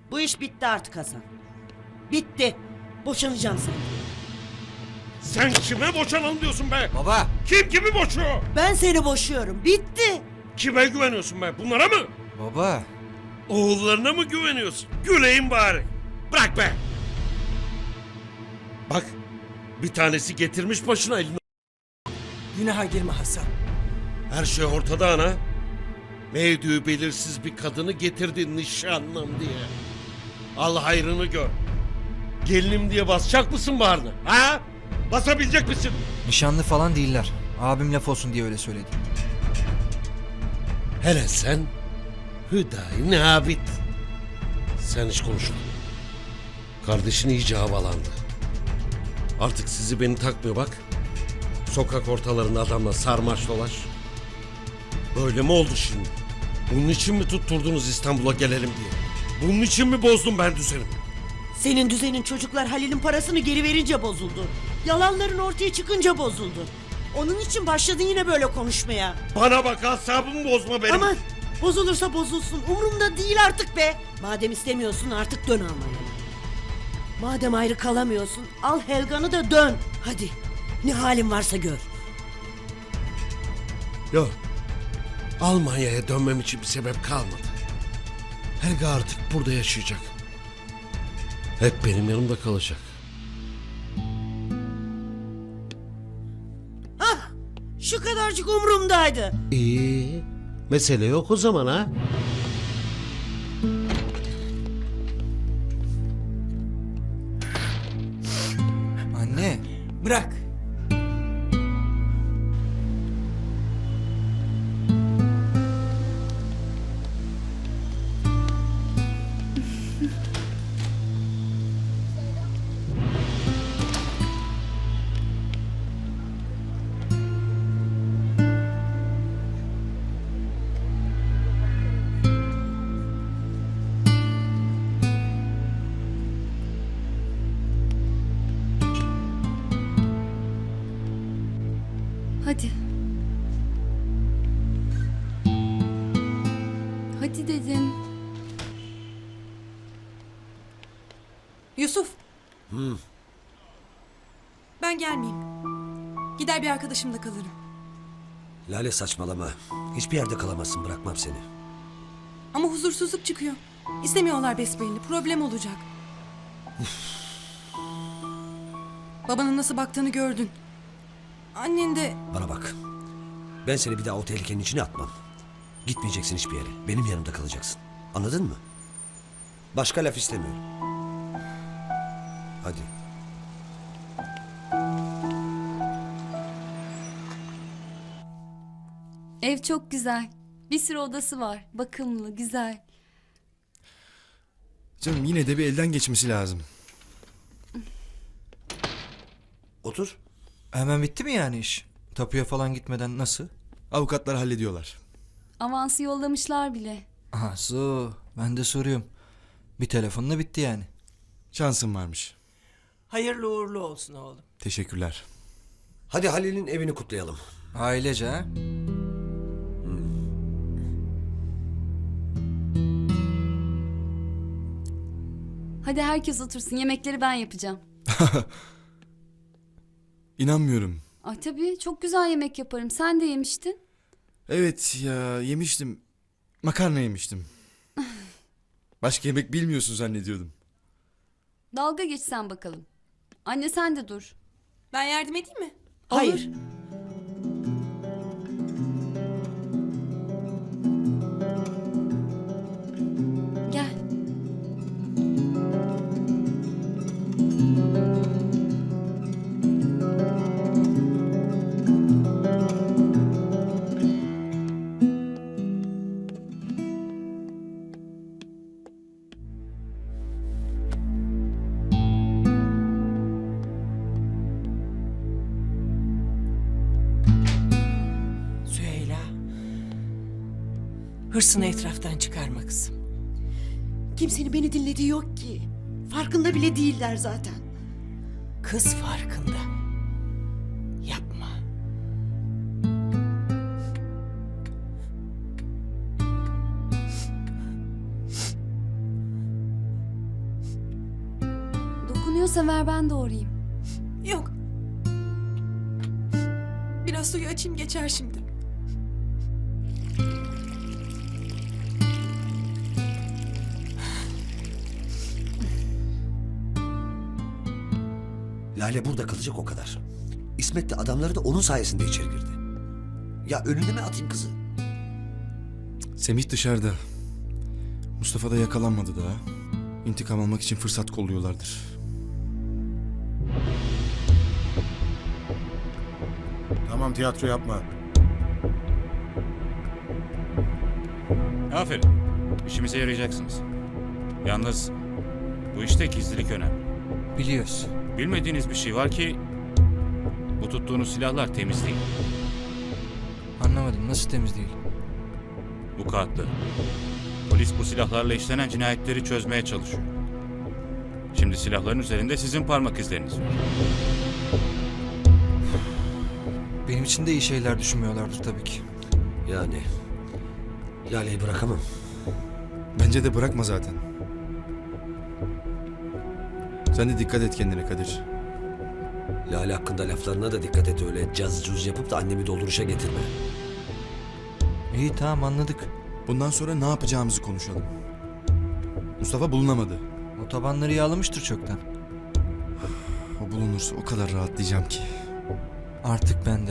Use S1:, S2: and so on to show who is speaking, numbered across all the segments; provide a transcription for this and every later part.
S1: Bu iş bitti artık Hasan. Bitti. Boşanacağım senden.
S2: Sen kime boşanalım diyorsun be?
S3: Baba.
S2: Kim kimi boşuyor?
S1: Ben seni boşuyorum. Bitti.
S2: Kime güveniyorsun be? Bunlara mı?
S3: Baba.
S2: Oğullarına mı güveniyorsun? Güleyim bari. Bırak be. Bak, bir tanesi getirmiş başına elini.
S4: Günaha girme Hasan.
S2: Her şey ortada ana. Mevdüğü belirsiz bir kadını getirdin nişanlım diye. Al hayrını gör. Gelinim diye basacak mısın bağrına? Ha? Basabilecek misin?
S3: Nişanlı falan değiller. Abim laf olsun diye öyle söyledi.
S2: Hele sen Hüdayi Nabit. Sen hiç konuşma. Kardeşin iyice havalandı. Artık sizi beni takmıyor bak. Sokak ortalarında adamla sarmaş dolaş. Böyle mi oldu şimdi? Bunun için mi tutturdunuz İstanbul'a gelelim diye? Bunun için mi bozdum ben düzenimi?
S1: Senin düzenin çocuklar Halil'in parasını geri verince bozuldu. Yalanların ortaya çıkınca bozuldu. Onun için başladın yine böyle konuşmaya.
S2: Bana bak, asabımı bozma benim.
S1: Aman bozulursa bozulsun. Umurumda değil artık be. Madem istemiyorsun artık dön Almanya'ya. Madem ayrı kalamıyorsun al Helga'nı da dön. Hadi ne halin varsa gör.
S2: Yok. Almanya'ya dönmem için bir sebep kalmadı. Helga artık burada yaşayacak. Hep benim yanımda kalacak.
S1: Hah şu kadarcık umurumdaydı.
S2: İyi. Mesele yok o zaman ha.
S3: Anne.
S4: Bırak.
S5: Hadi. Hadi dedim.
S6: Yusuf. Ben gelmeyeyim. Gider bir arkadaşımda kalırım.
S7: Lale saçmalama. Hiçbir yerde kalamazsın, bırakmam seni.
S6: Ama huzursuzluk çıkıyor. İstemiyorlar besbelli. Problem olacak. Babanın nasıl baktığını gördün. Annen de...
S7: Bana bak. Ben seni bir daha o tehlikenin içine atmam. Gitmeyeceksin hiçbir yere. Benim yanımda kalacaksın. Anladın mı? Başka laf istemiyorum. Hadi.
S5: Ev çok güzel. Bir sürü odası var. Bakımlı, güzel.
S8: Canım yine de bir elden geçmesi lazım.
S7: Otur.
S3: Hemen bitti mi yani iş? Tapuya falan gitmeden nasıl?
S8: Avukatlar hallediyorlar.
S5: Avansı yollamışlar bile.
S3: Aha su. Ben de soruyorum. Bir telefonla bitti yani.
S8: Şansın varmış.
S4: Hayırlı uğurlu olsun oğlum.
S8: Teşekkürler.
S7: Hadi Halil'in evini kutlayalım.
S3: Ailece ha?
S5: Hadi herkes otursun. Yemekleri ben yapacağım.
S8: İnanmıyorum.
S5: Ay tabii çok güzel yemek yaparım. Sen de yemiştin.
S8: Evet ya, yemiştim. Makarna yemiştim. Başka yemek bilmiyorsun zannediyordum.
S5: Dalga geçsen bakalım. Anne sen de dur.
S6: Ben yardım edeyim mi?
S1: Hayır.
S5: Gel.
S4: Süheyla. Hırsını etraftan çıkarma kızım.
S1: Kimsenin beni dinlediği yok ki. Farkında bile değiller zaten.
S4: Kız farkında. Yapma.
S5: Oluyorsa ver ben doğrayayım.
S6: Yok. Biraz suyu açayım geçer şimdi.
S7: Lale burada kalacak o kadar. İsmet de adamları da onun sayesinde içeri girdi. Ya önüne mi atayım kızı?
S8: Semih dışarıda. Mustafa da yakalanmadı daha. İntikam almak için fırsat kolluyorlardır.
S9: Tamam, tiyatro yapma.
S10: Aferin. İşimize yarayacaksınız. Yalnız bu işte gizlilik önemli.
S3: Biliyoruz.
S10: Bilmediğiniz bir şey var ki bu tuttuğunuz silahlar temiz değil.
S3: Anlamadım, nasıl temiz değil?
S10: Bu kağıtlı. Polis bu silahlarla işlenen cinayetleri çözmeye çalışıyor. Şimdi silahların üzerinde sizin parmak izleriniz var.
S3: Benim için de iyi şeyler düşünmüyorlardır tabii ki.
S7: Yani Lale'yi bırakamam.
S8: Bence de bırakma zaten. Sen de dikkat et kendine Kadir.
S7: Lale hakkında laflarına da dikkat et, öyle caz cuz yapıp da annemi dolduruşa getirme.
S3: İyi tamam anladık.
S8: Bundan sonra ne yapacağımızı konuşalım. Mustafa bulunamadı.
S3: O tabanları yağlamıştır çoktan.
S8: O bulunursa o kadar rahatlayacağım ki.
S3: Artık bende.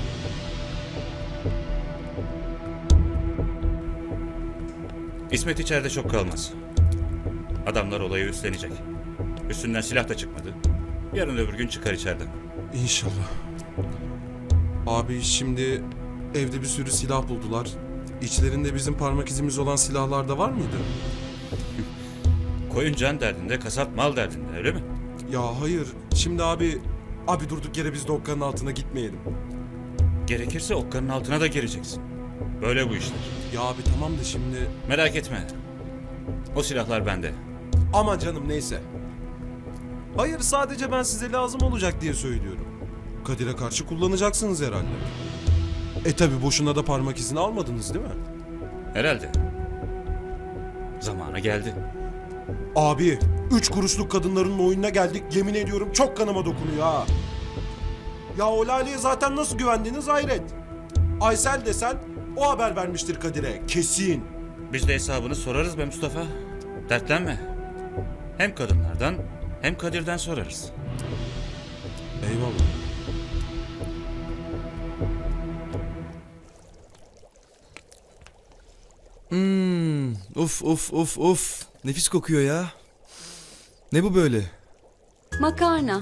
S10: İsmet içeride çok kalmaz. Adamlar olayı üstlenecek. Üstünden silah da çıkmadı. Yarın öbür gün çıkar içeriden.
S9: İnşallah. Abi şimdi evde bir sürü silah buldular. İçlerinde bizim parmak izimiz olan silahlar da var mıydı?
S10: Koyun can derdinde, kasap mal derdinde, öyle mi?
S9: Ya hayır. Şimdi abi durduk yere biz de okkanın altına gitmeyelim.
S10: Gerekirse okkanın altına da gireceksin. Böyle bu işler.
S9: Ya abi tamam da şimdi...
S10: Merak etme. O silahlar bende.
S9: Aman canım neyse. Hayır, sadece ben size lazım olacak diye söylüyorum. Kadir'e karşı kullanacaksınız herhalde. Tabi boşuna da parmak izini almadınız değil mi?
S10: Herhalde. Zamanı geldi.
S9: Abi 3 kuruşluk kadınların oyununa geldik, yemin ediyorum çok kanıma dokunuyor ha. Ya o Lale'ye zaten nasıl güvendiniz hayret. Aysel desen o haber vermiştir Kadir'e kesin.
S10: Biz de hesabını sorarız be Mustafa. Dertlenme. Hem kadınlardan hem Kadir'den sorarız.
S9: Eyvallah.
S8: Of. Nefis kokuyor ya. Ne bu böyle?
S5: Makarna.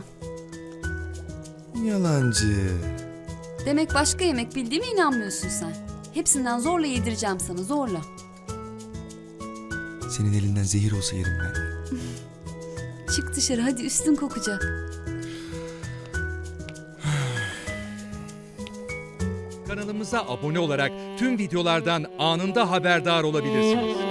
S8: Yalancı.
S5: Demek başka yemek bildiğime inanmıyorsun sen. Hepsinden zorla yedireceğim sana, zorla.
S8: Senin elinden zehir olsa yerim ben.
S5: Çık dışarı hadi, üstün kokacak.
S11: Kanalımıza abone olarak tüm videolardan anında haberdar olabilirsiniz.